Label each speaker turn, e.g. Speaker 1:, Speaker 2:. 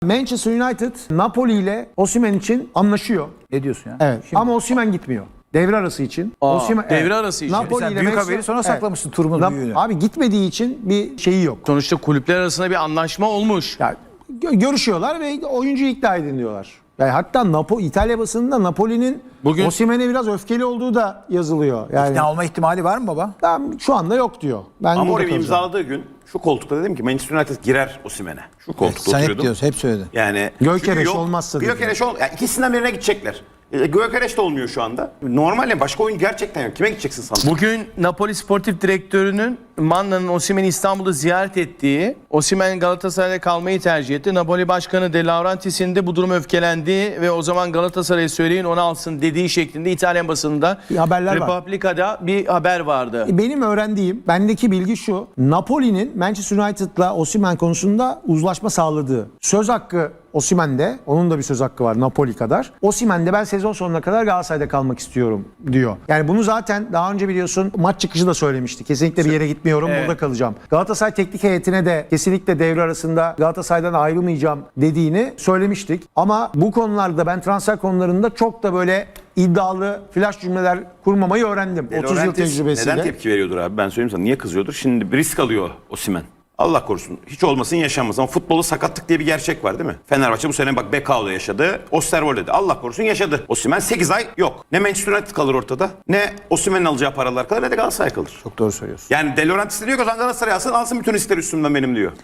Speaker 1: Manchester United Napoli ile Osimhen için anlaşıyor.
Speaker 2: Ne diyorsun ya?
Speaker 1: Evet.
Speaker 2: Şimdi,
Speaker 1: Ama Osimhen gitmiyor. Devre arası için. Osimhen,
Speaker 3: devre arası için.
Speaker 1: Napoli
Speaker 2: sen
Speaker 1: ile
Speaker 2: büyük
Speaker 1: Manchester-
Speaker 2: haberi sonra
Speaker 1: Evet.
Speaker 2: saklamışsın turumun büyüğünü.
Speaker 1: Abi gitmediği için bir şeyi yok.
Speaker 3: Sonuçta kulüpler arasında bir anlaşma olmuş.
Speaker 1: Yani görüşüyorlar ve oyuncuyu ikna edin diyorlar. Yani hatta İtalya basınında Napoli'nin
Speaker 3: Bugün-
Speaker 1: Osimhen'e biraz öfkeli olduğu da yazılıyor. Yani
Speaker 2: İkna olma ihtimali var mı baba?
Speaker 1: şu anda yok diyor. Ben
Speaker 4: Ama
Speaker 1: burada
Speaker 4: oraya
Speaker 1: kalacağım.
Speaker 4: imzaladığı gün şu koltukta dedim ki Manchester United girer Osimhen'e. Şu koltukta
Speaker 2: Sen hep
Speaker 4: oturuyordum.
Speaker 2: diyorsun, hep söyledin.
Speaker 4: Yani
Speaker 1: Gökereş
Speaker 4: çünkü yok.
Speaker 1: olmazsa dedi.
Speaker 4: Gökereş yani ikisinden birine gidecekler. Gökereş de olmuyor şu anda. Normalde başka oyun gerçekten yok. Kime gideceksin sandın?
Speaker 3: Bugün Napoli Sportif Direktörü'nün Manna'nın Osimhen'i İstanbul'da ziyaret ettiği, Osimhen Galatasaray'da kalmayı tercih etti. Napoli Başkanı De Laurentiis'in de bu durum öfkelendi ve o zaman Galatasaray'a söyleyin onu alsın dediği şeklinde İtalyan basınında
Speaker 1: Haberler var.
Speaker 3: Republica'da bir haber vardı.
Speaker 1: Benim öğrendiğim, bendeki bilgi şu. Napoli'nin Manchester United'la Osimhen konusunda uzlaşma sağladığı. Söz hakkı Osimhen'de, onun da bir söz hakkı var Napoli kadar. Osimhen'de ben sezon sonuna kadar Galatasaray'da kalmak istiyorum diyor. Yani bunu zaten daha önce biliyorsun maç çıkışı da söylemişti. Kesinlikle bir yere gitmiyorum,
Speaker 3: Evet.
Speaker 1: burada kalacağım. Galatasaray teknik heyetine de kesinlikle devre arasında Galatasaray'dan ayrılmayacağım dediğini söylemiştik. Ama bu konularda ben transfer konularında çok da böyle iddialı flash cümleler kurmamayı öğrendim. 30 yıl
Speaker 4: Laurentiis
Speaker 1: tecrübesiyle.
Speaker 4: neden tepki veriyordur abi? Ben söyleyeyim sana. Niye kızıyordur? Şimdi bir risk alıyor Osimhen. Allah korusun. Hiç olmasın yaşanmaz. Ama futbolda sakatlık diye bir gerçek var değil mi? Fenerbahçe bu sene bak Bekao'da yaşadı. Osterwolde'de. Allah korusun yaşadı. Osimhen 8 ay yok. Ne Manchester United kalır ortada. Ne Osimhen'in alacağı paralar kalır ne de Galatasaray kalır.
Speaker 2: Çok doğru söylüyorsun.
Speaker 4: Yani De Laurentiis diyor ki o zaman Galatasaray alsın bütün riskler üstümden benim diyor.